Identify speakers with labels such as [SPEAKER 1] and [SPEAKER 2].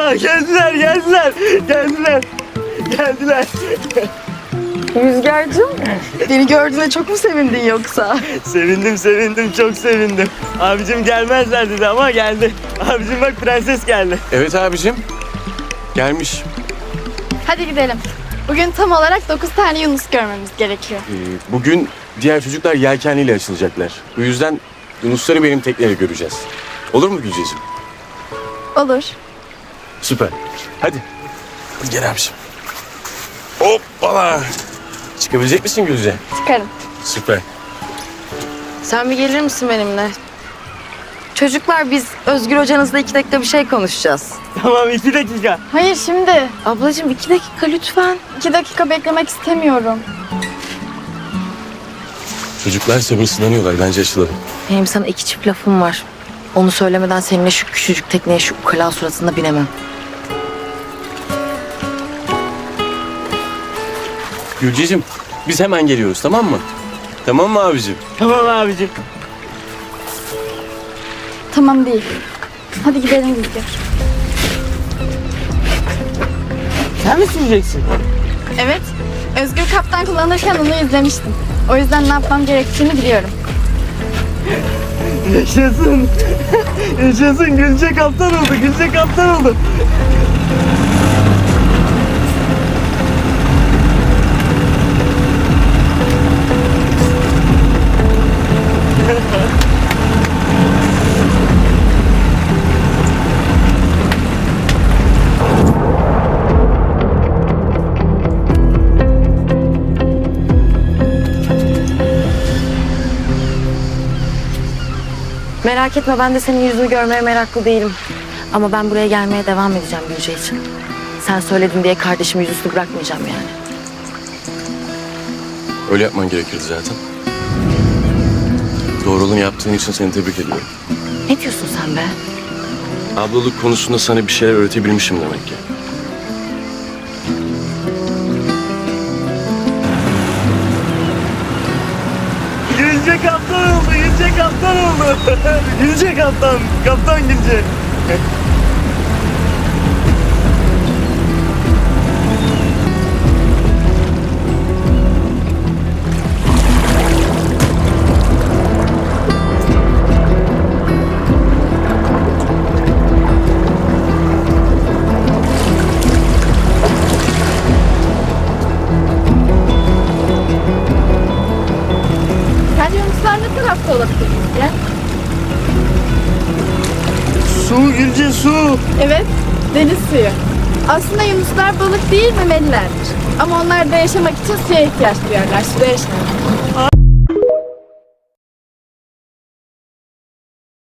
[SPEAKER 1] Aa, geldiler.
[SPEAKER 2] Rüzgar'cığım, beni gördüğüne çok mu sevindin yoksa?
[SPEAKER 1] Sevindim, çok sevindim. Abicim gelmezler dedi ama geldi. Abicim bak, prenses geldi.
[SPEAKER 3] Evet abicim. Gelmiş.
[SPEAKER 4] Hadi gidelim. Bugün tam olarak 9 tane Yunus görmemiz gerekiyor.
[SPEAKER 3] Bugün diğer çocuklar yelkenliyle açılacaklar. Bu yüzden Yunusları benim tekneyle göreceğiz. Olur mu Gülceciğim?
[SPEAKER 4] Olur.
[SPEAKER 3] Süper. Hadi. Hadi gel abicim. Hoppala. Çıkabilecek misin Gülce?
[SPEAKER 4] Çıkarım.
[SPEAKER 3] Süper.
[SPEAKER 2] Sen bir gelir misin benimle? Çocuklar, biz Özgür hocanızla 2 dakika bir şey konuşacağız.
[SPEAKER 1] Tamam, 2 dakika.
[SPEAKER 4] Hayır şimdi.
[SPEAKER 2] Ablacığım 2 dakika lütfen.
[SPEAKER 4] 2 dakika beklemek istemiyorum.
[SPEAKER 3] Çocuklar sabırsızlanıyorlar. Bence açılalım.
[SPEAKER 2] Benim sana 2 çift lafım var. Onu söylemeden seninle şu küçücük tekneye şu ukala suratında binemem.
[SPEAKER 3] Gülceciğim biz hemen geliyoruz, tamam mı? Tamam mı abicim?
[SPEAKER 1] Tamam abicim.
[SPEAKER 4] Tamam değil. Hadi gidelim Rüzgar.
[SPEAKER 1] Sen mi süreceksin?
[SPEAKER 4] Evet. Özgür kaptan kullanırken onu izlemiştim. O yüzden ne yapmam gerektiğini biliyorum.
[SPEAKER 1] Yaşasın. Yaşasın. Gülce kaptan oldu.
[SPEAKER 2] Merak etme, ben de senin yüzünü görmeye meraklı değilim. Ama ben buraya gelmeye devam edeceğim Gülce için. Sen söyledin diye kardeşimi yüzüstü bırakmayacağım yani.
[SPEAKER 3] Öyle yapman gerekirdi zaten. Doğru olanı yaptığın için seni tebrik ediyorum.
[SPEAKER 2] Ne diyorsun sen be?
[SPEAKER 3] Ablalık konusunda sana bir şeyler öğretebilmişim demek ki.
[SPEAKER 1] Gülce kaptan oldu. Gülce kaptan Gülce.
[SPEAKER 4] Sence Yunuslar ne tarafta olabilir Rüzgar?
[SPEAKER 1] Su Gülce, su.
[SPEAKER 4] Evet, deniz suyu. Aslında Yunuslar balık değil, memelilerdir. Ama onlar da yaşamak için suya ihtiyaç duyarlar, suda yaşarlar.